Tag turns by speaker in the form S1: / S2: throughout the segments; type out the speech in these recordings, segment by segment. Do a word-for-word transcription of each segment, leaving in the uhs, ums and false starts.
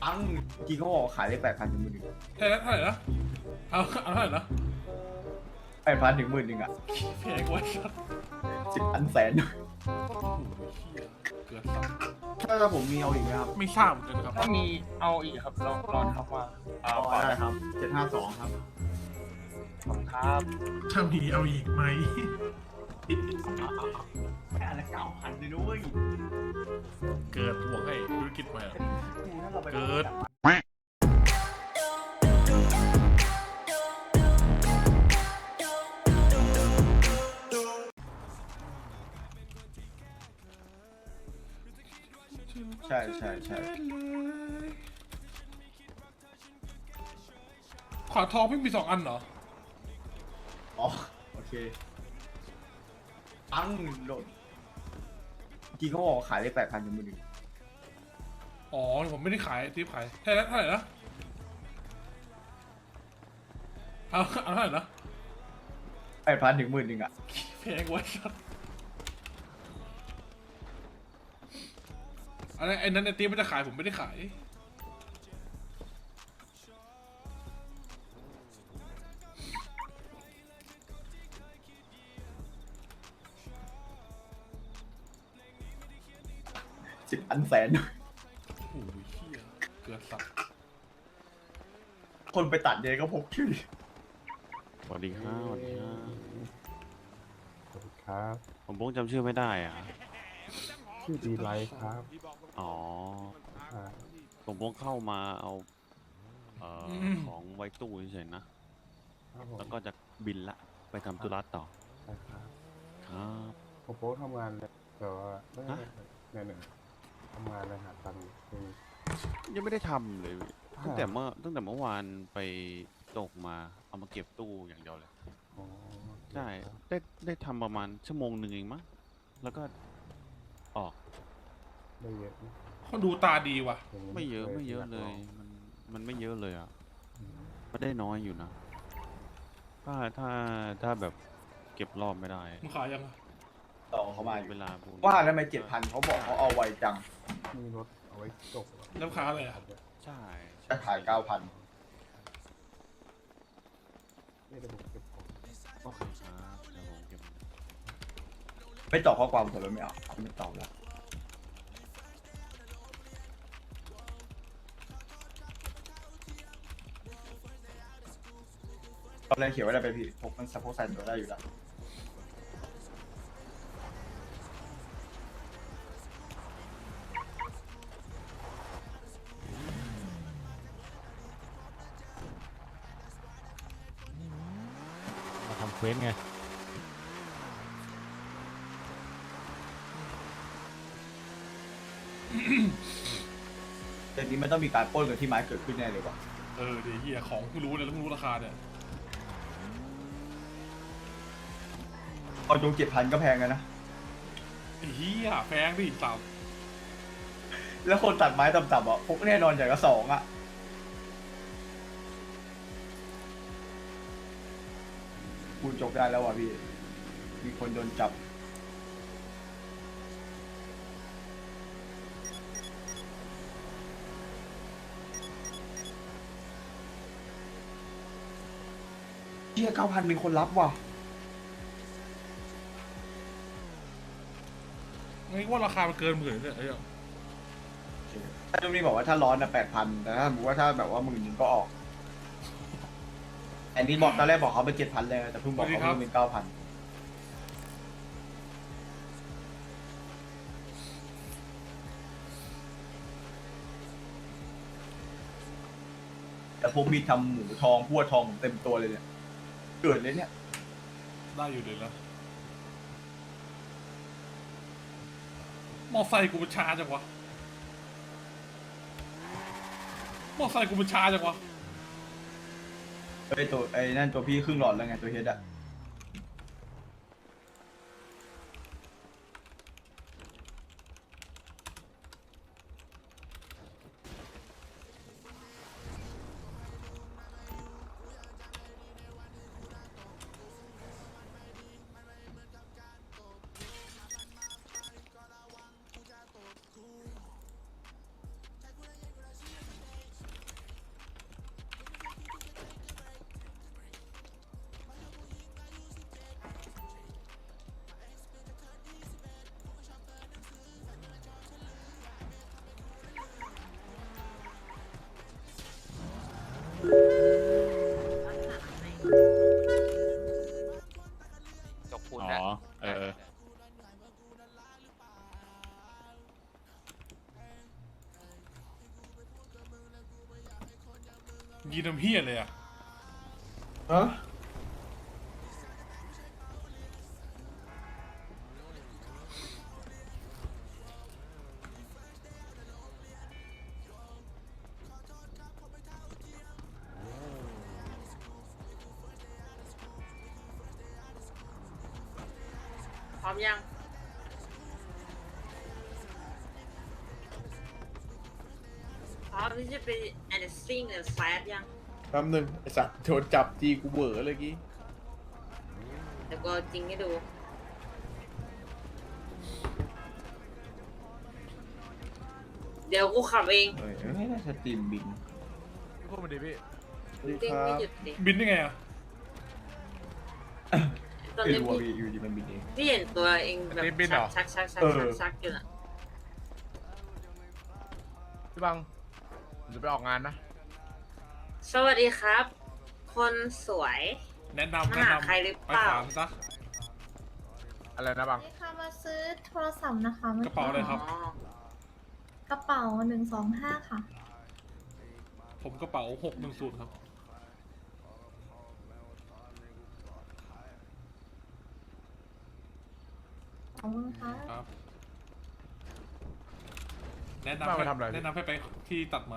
S1: อังกี่เขาบอกขายได้แปดพันถึงหมื่นหนึ่ง
S2: เท่าไหร่นะเอาเอาเท่าไหร่นะ
S1: แปดพันถึงหมื่นหนึ่งอ่ะ
S2: แพงกว่าชัด
S1: สิบอันแสน
S2: โอ้โหเหี้ยเกินสับ
S1: ถ้าผมมีเอาอีกไหมครับ
S2: ไม่ทราบเหมือนกันครับ
S3: ถ้ามีเอาอีกครับรอรอนะครับว่า
S1: เอาได้ครับเจ็ดห้าสองครับ
S3: ขอบคุณครับ
S2: ถ้ามีเอาอีกไหม
S1: แค่ละเก้าพันเลยนุ้ย
S2: เกิดบวกให้ธุรกิจใหม่อะเกิด
S1: ใช่ใช่ใช่
S2: ขวาทองไม่มีสองอันเหรอ
S1: อ๋อโอเคอังโดนกี่เขาบอกขายได้แปดพันถึงหมื่นหนึ่ง
S2: อ๋อผมไม่ได้ขายที่ขายเท่าไหร่เท่าไหร่นะเอาเอาเท่าไหร่นะ
S1: แปดพันถึงหมื่นหนึ่งอ่ะ
S2: แพงกว่าชัดอะไรไอ้นั้นไอ้ตีมันจะขายผมไม่ได้ขาย
S1: สิบอันแสน
S2: โอ้โหเหี้ยเกินสับ
S1: คนไปตัดเนี่ยก็พกชื่อ
S4: สวัสดีครับสวัสดีครับ
S5: สวัสดีครับ
S4: ผมพงจำชื่อไม่ได้อ่ะ
S5: ชื่อดีไลท์ครับ
S4: อ๋อ
S5: อ่า
S4: ผมพงเข้ามาเอาเอ่ออของไว้ตู้เฉยๆนะ
S5: ครับผม
S4: แล้วก็จะบินละไปทำธุระต่อ
S5: ใช่ครับ
S4: ครับ
S5: ผมโป๊ทำงานเลยแต่ว่าไม่
S4: ฮะ
S5: เนี่ยหนึ่งทำงานเลยหาตังค์คือ
S4: ยังไม่ได้ทำเลยตั้งแต่เมื่อตั้งแต่เมื่อวานไปตกมาเอามาเก็บตู้อย่างเดียวเลย
S5: อ๋อ
S4: ใช่ได้ได้ทำประมาณชั่วโมงหนึ่งเองมั้งแล้วก็ออก
S5: ได้เยอะนะ
S2: เขาดูตาดีว่ะ
S5: ย่างนี้
S4: ไม่เยอะ
S5: ค
S4: ไม่เยอะ
S5: าก
S4: เล
S5: ง
S4: ย มันมันไม่เยอะเลยอ่ะ
S5: อืม
S4: ก็ได้น้อยอยู่นะ ถ้าถ้าถ้าแบบเก็บรอบไม่ได้
S2: มึงขายยังอะ
S1: ต่อเขามาอยู่
S4: เวลาพวกนี้
S1: ว่าทำไมเจ็ดพันเขาบอกเขาเอาไวจัง
S5: มีรถเอาไว้จบเหรอ
S2: แล้วค้าอะไรอ่ะ
S4: ใช่ใช่
S1: จะขายเก้าพัน
S5: ไม่ได้ผมเก็บของ
S4: โอเคครับเดี๋ยวผมเก็บ
S1: ไม่ตอบข้อความผมเลยไม่เอาไม่ตอบแล้วตอนแรกเขียนไว้ได้ไปพี่พกมันสะโพกใส่ตัวได้อยู่แล้ว
S6: มาทำเควสไง
S1: แต่นี้มันต้องมีการปล้นกันที่ไม้เกิดขึ้นแน่เลยว่ะ
S2: เออเดี๋ยวเหี้ยของเพิ่งรู้เลยแล้วเพิ่งรู้ราคาเนี่ย
S1: เอาจงเจ็ดพันก็แพงกันนะ
S2: ไอ้เหี้ยแพงดิสาม
S1: แล้วคนตัดไม้ต่ำๆอ่ะพกแน่นอนอย่างละสองอ่ะกูจบได้แล้วว่ะพี่ มีคนโดนจับเชี่ยเก้าพันมีคนรับว่ะ
S2: งั้นว่าราคามันเกินหมื่นเนี่ยไอ้เหี้ย
S1: ถ้าจุ๊บนี่บอกว่าถ้าร้อนนะแปดพันแต่ถ้าสมมติว่าถ้าแบบว่าหมื่นหนึ่งก็ออกอันนี้บอกตอนแรกบอกเขาเป็นเจ็ดพันเลยแต่เพิ่งบอกเขาเพิ่งเป็นเก้าพันแต่พวกมีทำหมูทองพั่วทองเต็มตัวเลยเนี่ยเกิดเลยเนี่ย
S2: ได้อยู่เลยนะมอไซค์กูมันช้าจังวะมอไซค์กูมันช้าจังวะ
S1: ไอ้ตัวไอ้นั่นตัวพี่ครึ่งหลอดแล้วไงตัวเฮดอะ
S2: ยีน้ำเฮียเลยอ่ะ
S1: ฮะ
S6: พร้อมยังพร้อมที่จะไป anything หรือ fast ยัง
S1: แป๊บนึงไอสัตว์โดนจับทีกูเบื่อเลยกี้
S6: เดี๋ยวก็จริงให้ดู เดี๋ยวกูขับเอง
S1: เอ้ยไม่น่าสตรีมบิน
S2: พูดมาดิพี่
S1: สวัสดี
S6: เด้ง
S1: ครั
S6: ไม่
S1: บ
S6: หยุดดิ
S2: บินได้ไงอ่ะ
S6: ตอน
S1: ไม่
S6: นี้
S1: รู้ว่า
S6: พี่
S1: อยู่ดีมันบินเอง
S6: พี่เห็นตัวเองแบบ
S2: อันนี้บินเหรอ
S6: ชักชักชัก
S1: เอ
S6: ชั
S1: อ
S6: กชักอยู่น่ะ
S2: พี่บังผมจะไปออกงานนะ
S6: สวัสดีครับ คนสวย
S2: แนะนำ
S6: มา
S2: แนะ
S6: หาน
S2: ำ
S6: ใครหรือ
S2: ไป
S6: เปล่า
S2: ถามซะอะไรนะบัง
S7: นี่ค่ะมาซื้อโทรศัพท์นะคะ
S2: กระเป๋าอะไรครับ
S6: อ๋อก
S7: ระเป๋าหนึ่งสองห้าค่ะ
S2: ผมกระเป๋าหกหนึ่งศูนย์ครับ
S7: ขอบคุณค่ะ
S2: ครับ แนะนำ
S8: บ้างไป
S2: ให้
S8: ทำอะไร
S2: แนะนำให้ไปที่ตัดไม้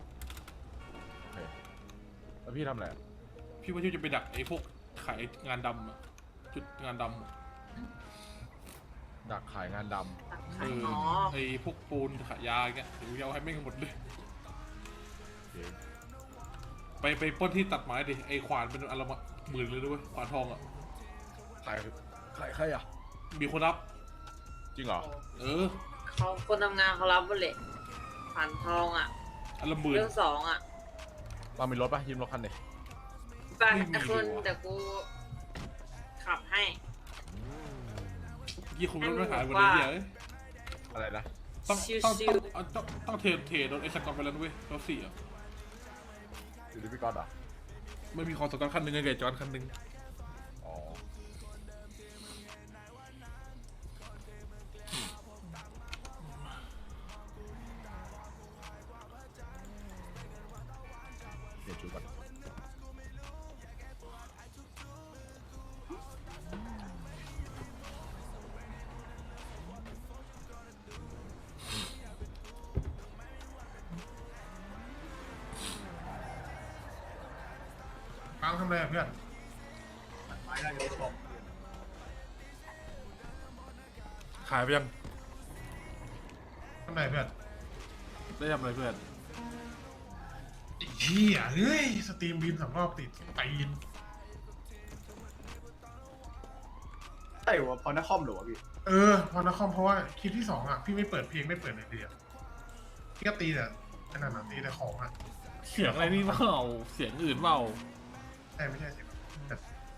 S8: แล้วพี่ทำอะไร
S2: พี่ว่าที่จะไปดักไอ้พวกขายงานดำอะจุดงานดำอะ
S8: ดักขายงานด
S6: ตัก
S2: เอ
S6: ขาย
S2: อ
S6: อ๋อ
S2: ไอ้พวกปูนขายยาอย่างเงี้ยเดี๋ยวเอาให้แม่งหมดเลย ไปไปปล้นที่ตัดไม้ดิ ไอ้ขวานเป็นอันละมาหมื่นเลยด้วยขวานทองอ่ะ
S8: ำขายขายใครอ่ะ
S2: มีคนรับ
S8: จริงเหรอ
S2: เออ
S6: เขาคนทำงานเขารับหมดเลยผ่านทองอ่ะ
S2: อันละหมื่น
S6: เรื่องสองอ่ะ
S8: เรามีรถปะยืมรถคันเดีย
S6: ไป
S2: ไม่มี
S6: แต่คน
S2: ดีกว่า
S6: เดี๋ยวกูขับให้
S2: ยี่คุณรถไม่หายหมดเลยเหี้ยเอ้ย
S8: อะไรนะ
S2: ต้อง
S6: ชิว
S2: ต้อง
S6: ชิ
S2: ต้อ
S6: ว
S2: งเอาต้องต้องเทรดเทรดรถไอ้สกอตไปแล้วนะเว้ยรถสี่อ่ะ
S8: อยู่ที่พี่ก๊อตเหรอ
S2: ไม่มีของสกอตคันหนึ่งไงเกจจอนคันหนึ่ง
S8: อ๋อเดี๋ยวจูก่อน
S2: ปังทำอะไรเพื่อนขายไปยัง
S9: ทำไรเพื่อน
S2: ได้ทำอะไรเพื่อน
S9: ไอ้เหี้ยเฮ้ย สตรีมบินสองรอบติดตีน
S1: ใช่วะพอนักคอมหรอวะพี่
S9: เออ พอนะคอมเพราะว่าคลิปที่สองอ่ะ พี่ไม่เปิดเพลงไม่เปิดอะไรเลยอะพี่ก็ตีแต่ขนาดนั้นตีแต่ของอ่ะ
S2: เสียงอะไรนี่เปล่าเสียงอื่นเปล่า
S9: ใช่ไม่ใช่สิแต่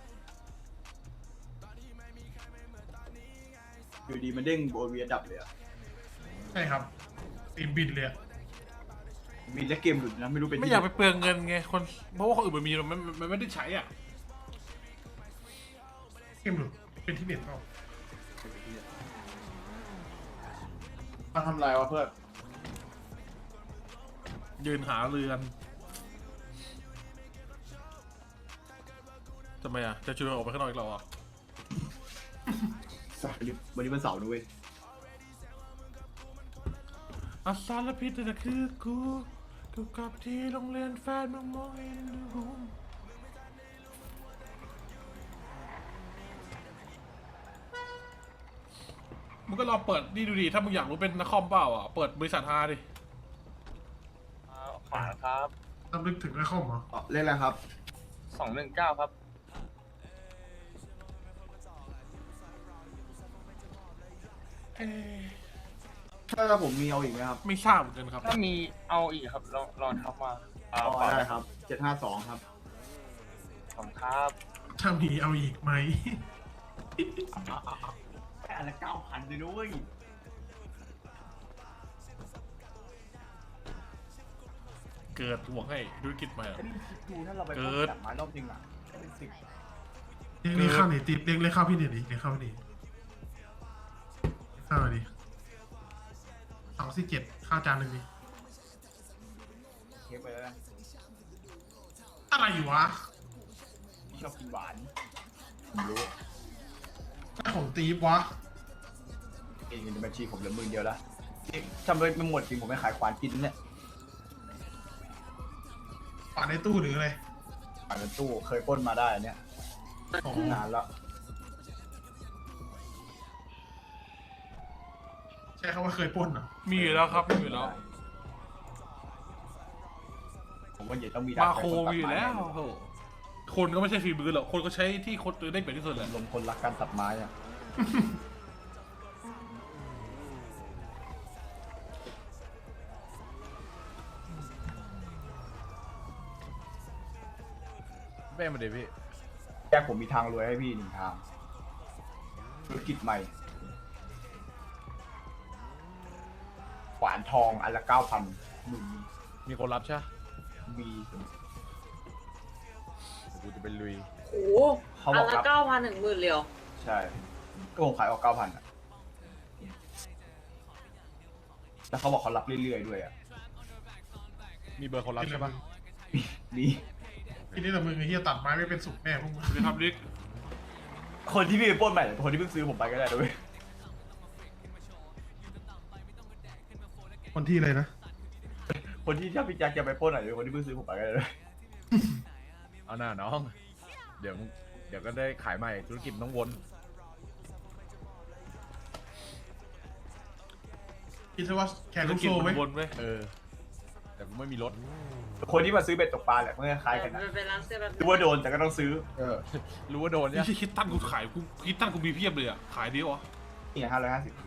S1: อยู่ดีมันเด้งโบเวียดับเลยอะ
S9: ใช่ครับสตรีมบินเลยอะ
S1: มีและเกมหลุดนะไม่รู้เป็น
S2: ไม่
S1: ที่
S2: อยากไปเปลืองเงินไงคนเพราะว่าคนอื่นมันมีมันมันมันไม่ได้ใช้อ่ะ
S9: เกมหลุดเป็นที่เน็ตเปล่ามาทำไรวะเพื่อน
S2: ยืนหาเรือนทำไมอ่ะจะชวนออกไปข้างนอกอีกเหรออ่ะ
S1: วันนี้วันนี้มันเสาร์นะเว้ย
S2: อาสารพิษนั่นคือกูกูกลับที่โรงเรียนแฟนมึงมองเห็นดูมึงก็ลองเปิดนี่ดูดิถ้ามึงอยากรู้เป็นนักคอมเปล่าอ่ะเปิดบริษัทฮาดิ
S3: อ่าขวาครับ
S9: ต้องนึกถึงได้ข้อมเหรอ
S1: อ๋อเรียกอะไรครับ
S3: สองหนึ่งเก้าครับ
S2: เอ๊ะ
S1: ถ้าผมมีเอาอีกไหมครับ
S2: ไม่ทราบเหมือนกันครับ
S3: ถ้ามีเอาอีกครับลองลองทักมาอ่า
S1: อ๋อ
S3: ขวา
S1: ได้ครับเจ็ดห้าสองครับ
S3: ขอบคุณครับ
S9: ถ้ามีเอาอีกไหม
S1: แต่ละเก้าพันเลยนุ้ย
S2: เกิดหวงให้ธุรกิจใหม่อะ
S1: ดูถ้าเราไป
S2: เกิด
S1: จับไม้รอบจริงอ่ะเป็นสิบ
S9: เรียกเรียกเข้าหนิติดเรียกเรียกเข้าพี่หนิดิเรียกเข้าพี่หนิเข้ามาดิสองสี่เจ็ดข้าวจานหนึ่งดิ
S1: เช็คไปแล้วนะ
S9: อะไรวะ
S1: ชอบกินหวาน
S8: ผมรู้
S9: ของตีฟวะ
S1: เองเงินในบัญชีผมเหลือหมื่นเดียวละทำไปไม่หมดจริงผมไม่ขายควานกินเนี่ย
S9: ปาดในตู้หรืออะไร
S1: ขายในตู้เคยปล้นมาได้อันเนี่ย
S9: อ๋อ
S1: นานแล้ว
S9: ใช่เขาว่าเคยปล้นเหรอ
S2: มีอยู่แล้วครับมีอยู่แล้ว
S1: ผมว่าอย่าต้องมี
S2: มาโคมีอยู่แล้วโอ้โหคนก็ไม่ใช่ฝีมือหรอกคนก็ใช้ที่คนตัวได้เปรียบที่สุดแหละ
S1: ลมคนรักการตัดไม้อะ
S8: แป้งมาเดี๋ยวพี่
S1: แยกผมมีทางรวยให้พี่หนึ่งทางธุรกิจใหม่ขวานทองอันละเก้าพันหมื่น
S8: มีคนรับใช่ไหม
S1: มี
S8: เดี๋ยวกูจะเป็นลุย
S6: โอ้โห
S1: เขาบ
S6: อั
S1: อน ก
S6: ละ
S1: รับ
S6: เก้าพันหนึ่งหมื่นเลยเหรอ
S1: ใช่ก็ผมขายออกเก้าพันอะแล้วเขาบอกเขารับเรื่อยๆด้วยอะ
S8: มีเบอร์คนรับใช่ปะ
S1: นี่
S9: ทีนี้แต่มึงไอ้เหี้ยตัดไม้ไม่เป็นสุกแน่พวกมึง
S2: ไปทำลิก
S1: คนที่พี่ไปปล้นใหม่เป็นคนที่เพิ่งซื้อผมไปก็ได้ด้วย
S9: คนที่เลยนะ
S1: คนที่ถ้าพี่แจ็คจะไปปล้นใหม่เป็นคนที่เพิ่งซื้อผมไปก็ได้ด้วย
S8: เอาหน้าน้อง เดี๋ยวมึงเดี๋ยวก็ได้ขายใหม่ธุรกิจต้องวน
S9: คิดซะว่าแขน
S2: ธุ
S9: ลู
S2: ร
S9: ก
S2: กิจ
S9: โซ่ไหม
S2: มันวนไว้
S8: เออ แต่กูไม่มีรถ
S1: คนที่มาซื้อเบ็ดตกปลาแหละเมื่อคล้ายกันนะ
S6: ไปร้านเสื้อแบบ
S1: รู้ว่าโดนแต่ก็ต้องซื้อ
S8: เออ รู้ว่าโดน
S2: นี่
S8: เนี่ย
S2: ใช่คิดตั้นกูขายกูคิดตั้นกูมีเพียบเลยอ่ะขายดีวะ
S1: นี่ห้าร้อยห้าสิบ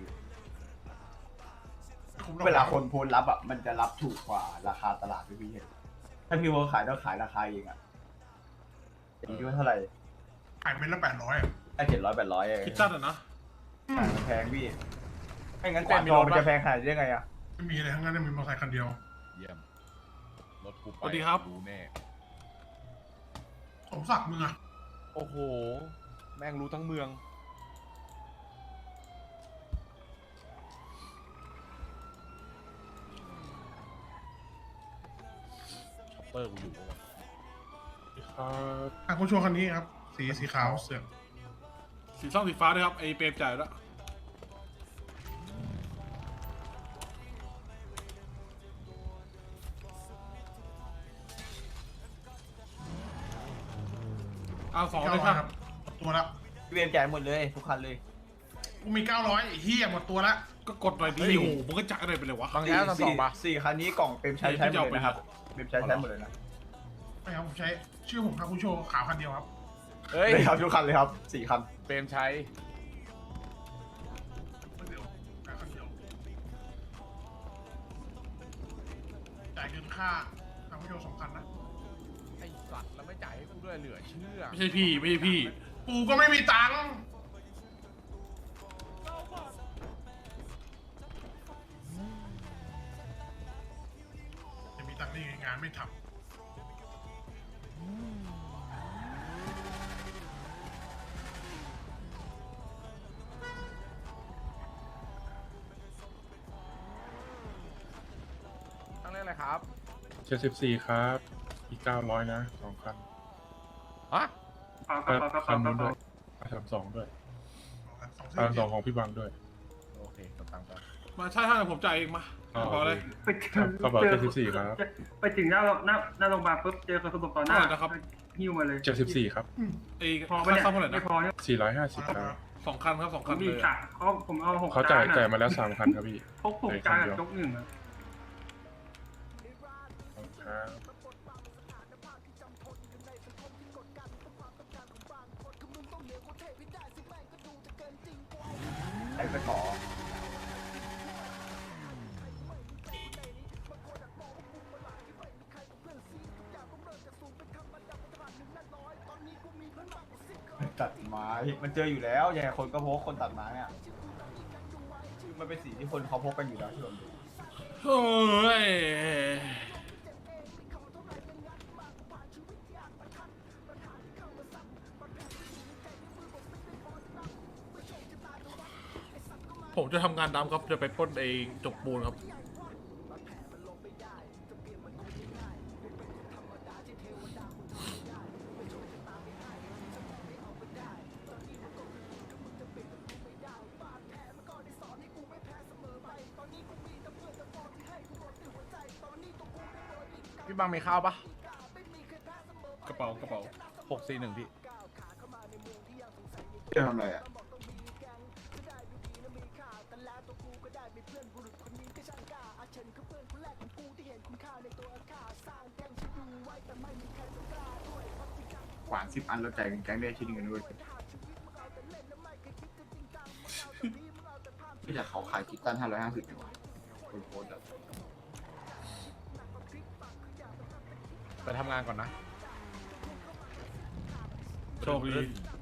S9: คุ้มหรอก
S1: เวลาคนโพสต์รับอ่ะมันจะรับถูกกว่าราคาตลาดพี่พี่เห็นถ้าพี่ว่าขายต้องขายราคาเองอ่ะอย่างนี้ว่าเท่าไหร่
S9: ขายเป็นละแปดร้อยอ่ะ
S1: ได้เจ็ดร้อยแปดร้อยเอง
S2: คิดตั้นอ่ะนะ
S1: ขายมันแพงพี่ไม่งั้นขวานทองมันจะแพงขนาดนี้ได้ไงอ่ะ
S9: ไม่มีอะไรทั้งนั้นมีมอเตอร์ไซค์คันเดียว
S8: เยี่ยม รถกูไป
S2: สวัสดีครับ
S8: รู้แน่
S9: สมศักดิ์มึงอ่ะ
S8: โอ้โห แม่งรู้ทั้งเมือง ช็อปเปอร์กูอยู่ปะวะ
S2: ครับ
S9: อ่ะคุณโชว์คันนี้ครับ สีสีขาวเสือก
S2: สีส้มสีฟ้าด้วยครับไอเปรมจ่ายแล้วเอาสองเลยครับ
S9: หมดตัวละ
S1: พี่เวมจ่ายหมดเลยทุกคันเลย
S9: กูมีเก้าร้อยไอ้เหี้ยหมดตัวละ
S2: ก็กดหน่อยดิโอ้โหมึงก็จ่ายอะไรไปเลยวะ
S8: บางแง่ทั้งสองปะ
S1: สี่คันนี้กล่องเปรมใช้ใช้หมดเลยนะครับเปรมใช้ใช้หมดเลยนะ
S9: ไม่ครับผมใช้ชื่อผมครับคุณโชว์ขาวคันเดียวครับ
S8: เฮ้ย
S1: เลยครับทุกคันเลยครับสี่คัน
S8: เปรมชัย
S9: คันเดียวแค่คันเดียวจ่ายเงินค่าทางคุณโชว์สองคันนะ
S8: ไอ้สัตว์แล้วไม่จ่ายให้กูด้วยเหลือเชื่อ
S2: ไม่ใช่พี่ไม่ใช่พี่
S9: กูก็ไม่มีตังค์จะมีตังค์ได้ไงงานไม่ทำ
S8: ตั้งเรื่องอะไรครับ
S10: เจ็ดสิบสี่ครับ อีกเก้าร้อยนะสองคัน
S8: ฮะ
S10: คันนู้นด้วยสามสองด้วย
S9: สอง
S10: สามส
S9: เส้
S10: อน งของพี่บังด้วย
S8: โอเคกำตังค์ไป
S2: มาใช่ถ้าผมจ่ายเองมา
S10: อ๋อ
S2: พอเลย
S10: โอเคครับกระเป๋าเจ็ดสิบสี่ครับ
S3: ไปถึงหน้าหน้าหน้าโรงพยาบาลปุ๊บเจอคนสลบต่อหน้า
S2: เท่าไหร่นะครับ
S3: หิ้วมาเลย
S10: เจ็ดสิบสี่ครับ
S2: ไอ้
S3: พอ
S2: ค่า
S3: ปะเนี่ย
S2: ซ่อมเท่าไหร่
S3: ไม่
S2: นะ
S3: พอเนี่ย
S10: สี่ร้อยห้าสิบครับ
S2: สองคันครับสอง
S3: ผ
S2: คัน
S3: ม
S2: เล
S3: มี
S2: ย
S3: สามเขาผมเอาหก
S10: เขาจ่าย
S3: จนอะ
S10: จ่ายมาแล้วสามคันครับพี่
S3: พกหกจานกับจกหนึ่งอะ
S10: ครับ
S1: ไอ้ตะขอตัดไม้มันเจออยู่แล้วยังไงคนก็พกคนตัดไม้อ่ะมันเป็นสีที่คนเขาพกกันอยู่แล้วที่ผมดู
S2: เฮ้ยผมจะทำงานดำครับจะไปปล้นเองจบปูนครับ
S8: พี่บังมีข้าวปะ
S10: กระเป๋ากระเป๋า
S8: หกสี่หนึ่งพี่
S1: จะทำอะไรอ่ะขวานสิบอันเราจ่ายกันแก๊งได้ชิ้นหนึ่งกันด้วยไม่อยากเขาขายคิตตันห้าร้อยห้าสิบดีกว่าคนโพสต์อะ
S8: ไปทำงานก่อนนะ
S10: โชคดี
S8: ขึ้น